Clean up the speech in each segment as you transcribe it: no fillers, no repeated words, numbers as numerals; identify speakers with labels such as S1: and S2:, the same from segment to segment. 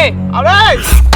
S1: เอาเลย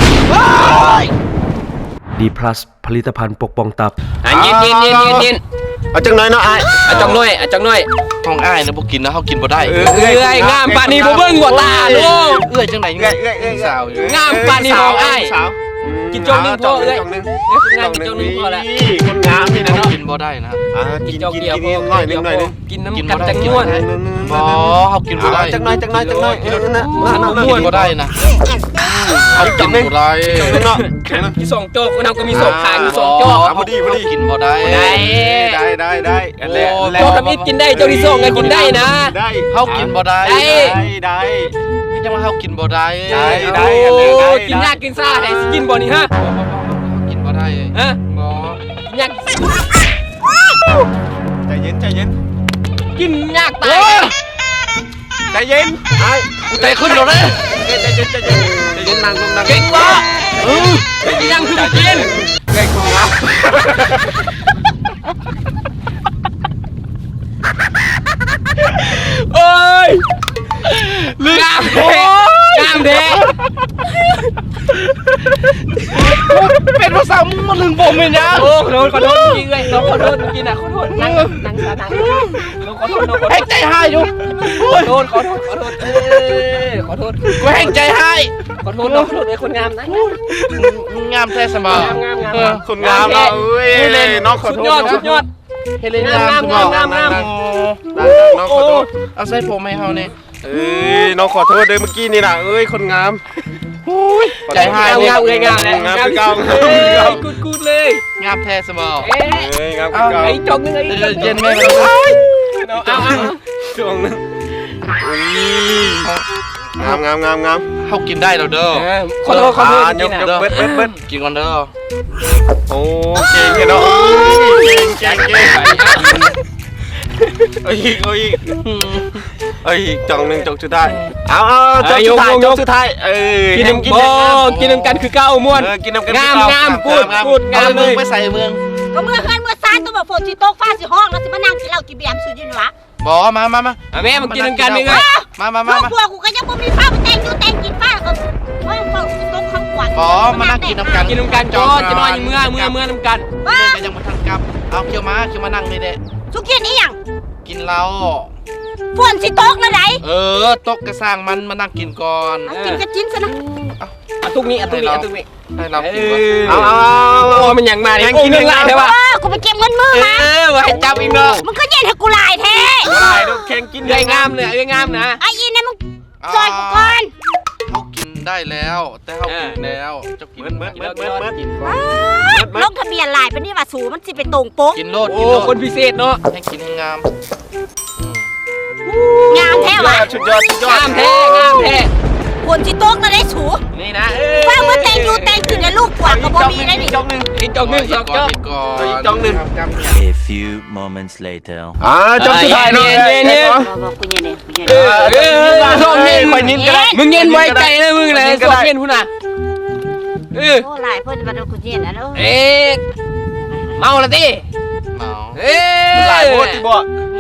S2: ดีพลัสผลิตภัณฑ์ปกป้องตับ
S3: ยิน
S1: เอาจังหน่อยเนาะไอ้
S3: จังหน่อย
S4: ของอ้ายนะบ่กินนะเฮากินบ่ได้
S3: เอ้ยงามปานนี้บ่เบิ่งหัวตาลูก
S4: เอ้ยจังไหนสาว
S3: งามปานนี้ของอ้ายกินจงนึงพอเอ้ยงามกินจงนึงพอแล้ว
S1: คนงามนี่นะเนาะ
S4: กินบ่ได้นะ
S3: กินจงเดียวพอ
S1: หน่อยนึง
S3: กินน้ำกันจังนวล
S4: บ่เฮากินบ่ได้
S1: จังหน่อยนั่น
S4: กินบ่ได้นะเฮากินบ่ได้
S1: เนาะ
S3: มี2โจ๊กเราก็มี2ขามี2โจ๊ก
S1: พอดี
S4: กินบ่ได้
S1: ได้อันแรก
S3: โจ๊กทำอิดกินได้โจ๊กที่2ไงกินได้นะ
S4: เฮากินบ่ได้
S1: ได้
S4: จังว่าเฮากินบ่ได้
S3: กินยากกินซ่าให้กินบ่นี่ฮะ
S4: กินบ่ได้
S3: ฮะ
S4: บ่
S3: กินยาก
S1: ใจเย็น
S3: กินยากตาย
S1: ใจเย็นไอ้
S4: ใจขึ้นแล้วนะ
S1: ใจเย็นนั่ง
S3: เก่งวะยังคือกิน
S1: เก่งของเรา
S3: เอ้ยงามเด้
S4: เป็นภาษามึงมาลึงผมเลยนะ
S3: โอ้ขอโทษจริงเลยน้องขอโทษจริงนะขอโทษนั่งขอโทษ
S4: ให้ใจหายอยู่
S3: ขอโทษขอโทษ
S4: กูให้ใจหาย
S3: ขอโทษน้องขอโทษเลยคนงามนะ
S4: งามแท้เสมอ
S1: คนงามเราน้องขอโทษ
S3: สุดยอด
S4: เฮเลนงาม
S1: น้องขอโทษ
S4: เอาใส่ผมให้เฮาเนี่ย
S1: น้องขอโทษเลยเมื่อกี้นี่นะคนงาม
S4: ใจหาย
S3: งามกูดเลย
S4: งามแท้เสมอง
S1: าม
S3: ไอ้จงนึงไอ้
S4: เย็นแม่
S3: เอา
S1: จงนึงงาม
S4: เขากินได้แล้วเด้อ
S3: ขอโทษ
S1: ยกเบิ้ล
S4: กินก่อนเด้อ
S1: โอ้เก่งเนาะเก่งอีกจองหนึ่งจองสุดท้ายเอาจองสุดท้าย
S3: กินน้ำกันคือเก้าม้วน
S1: กินน้ำกัน
S3: งามกูดงามเลย
S4: ไปใส่เมือง
S5: ก็เมื่อคืนเมื่อซานตัวแบบฝนสิตกฟ้าสิห้องแล้วสิมานั่งกินเหล้ากินเบียร์สุดยินวะ
S4: บ่มา
S3: แม่มันกินน้ำกันยังไง
S4: มา
S5: พวกกูก็ยังบ่มีฟ้ามาแต่งกินฟ้าก็ว่าฝนสิตกข้างขวัญ
S4: บ่มานั่งกินน้ำกัน
S3: จอจะนอนเมื่อน้ำกัน
S4: แต่ยังมาทันกลับเอาเคี้ยวมานั่งนี่เด้
S5: สุกี้นี่ยัง
S4: กินเหล้า
S5: ฝนสิตกแล้วไหน
S4: ตกกระสร้างมันมานั่งกินก่อน
S5: กินกระจิ้นซะนะ
S3: ตุกนี้
S4: ให้เรากิน
S3: มันอย่างมาเนี่ยเงินลายใช่ป่ะ
S5: กูไปเก็บเงินมือมา
S3: ว่าให้จับอีกเนาะ
S5: มันก็เย็นให้กูลายแท้
S1: ลายดูแข่งกิน
S3: เลยงามเลยงามนะ
S5: ไอ้ยินเนี่ยมึงซอยกูก่อน
S4: เขากินได้แล้วแต่เขากินแล้วจะกิน
S5: ลงทะเบียนลายเป็นนี่ว่าสูมันสิไปตรงโป๊ก
S4: กินโลด
S3: คนพิเศษเนาะ
S4: ให้กินงาม
S5: แท้วะ
S1: สุดยอด
S3: งามแท้
S5: ฝนสิตกแล้วได้สู
S3: นี่นะ
S5: ว่าเมื่อแต่งขึ้นในลูกกว่าก็บ่มีได้ดิ
S3: จองหนึ่ง2จอง
S1: หนึ่ง
S2: A few moments later
S1: จองสุดท้ายเนาะ
S3: สองเย็นมึงเย็นไว้ใจเลยมึงเลยสองเย็นพุ่นน่ะ
S5: โอ้หลายเพิ่นมาดูกูเย็นนะเนาะ
S3: เมาละดิ
S1: หลายโพดบ่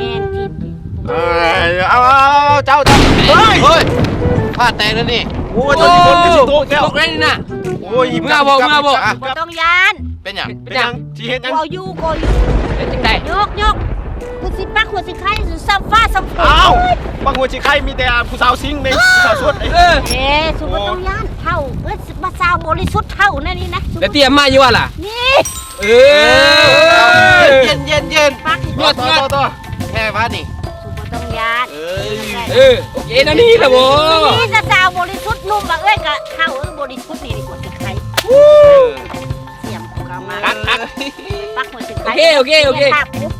S1: เอาเจ้า
S4: เฮ้ยพลาดแต่นั่นนี่
S1: โอ้ยตัวนี้คนก็สิโตแก้ว
S3: ตกได้นี่น่ะ
S1: โอ้ย
S3: เมื่อบอก
S5: บ่ต้องยาน
S4: เป็นหยัง
S1: สิเฮ็ดหยัง
S5: กูอยู่
S3: เป็นจังได๋
S5: ยกกูสิปักหัวสิไข่สิซับฟ้าซับฝน
S1: อ้าวปักหัวสิไข่มีแต่ผู้สาวซิงในผู้สาวสด
S5: สุบ่ต้องยานเท่ามาสาวบริสุทธิ์เท่านั่นนี่นะ
S3: แล้วเตรียมมาอยู่ว่าล่ะ
S5: นี่
S4: เย็น
S5: ปัก
S4: ต่อแค่ว่านี่
S5: ต้องยาน
S3: โอเคนะนี่ละโว้
S5: นี่จะสาวบริสุทธิ์นุ่มว่าก็เข้าบริสุทธิ์นี่ดีกว่าสิใครเสียมกูเข้ามาปักหัวสิใคร
S3: โอเคไป
S1: ห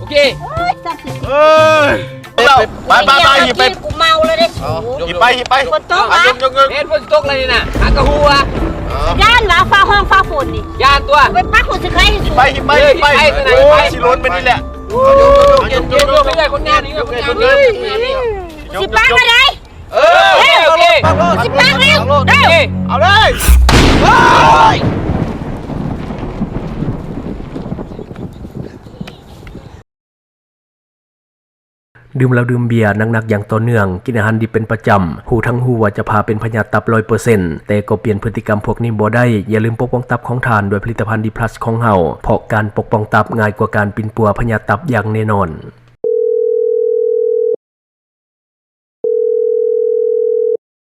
S1: ยิบไป
S5: กูเมาเลยได้สู
S1: หยิบไป
S5: ฝนตก
S3: เห็นฝนตกเลยนี่น่ะหากระหัว
S5: ย่านว่าฟ้าห้องฟ้าฝนนี่
S3: ย่านตัว
S5: ไปปักหัวสิใคร
S1: หยิบไปสิล้นไปนี่แหละ
S3: ยกไม่ได้คนงานนี่
S5: สิปักอะไร
S3: โอเค
S5: สิปักเร็ว
S1: เอาเลย
S2: ดื่มแล้วดื่มเบียร์หนักๆอย่างต่อเนื่องกินอาหารดิบเป็นประจำหูทั้งหูว่าจะพาเป็นพยาธิตับ 100% แต่ก็เปลี่ยนพฤติกรรมพวกนี้บ่ได้อย่าลืมปกป้องตับของทานด้วยผลิตภัณฑ์ดีพลัสของเฮาเพราะการปกป้องตับง่ายกว่าการปินปัวพยาธิตับอย่างแน่นอน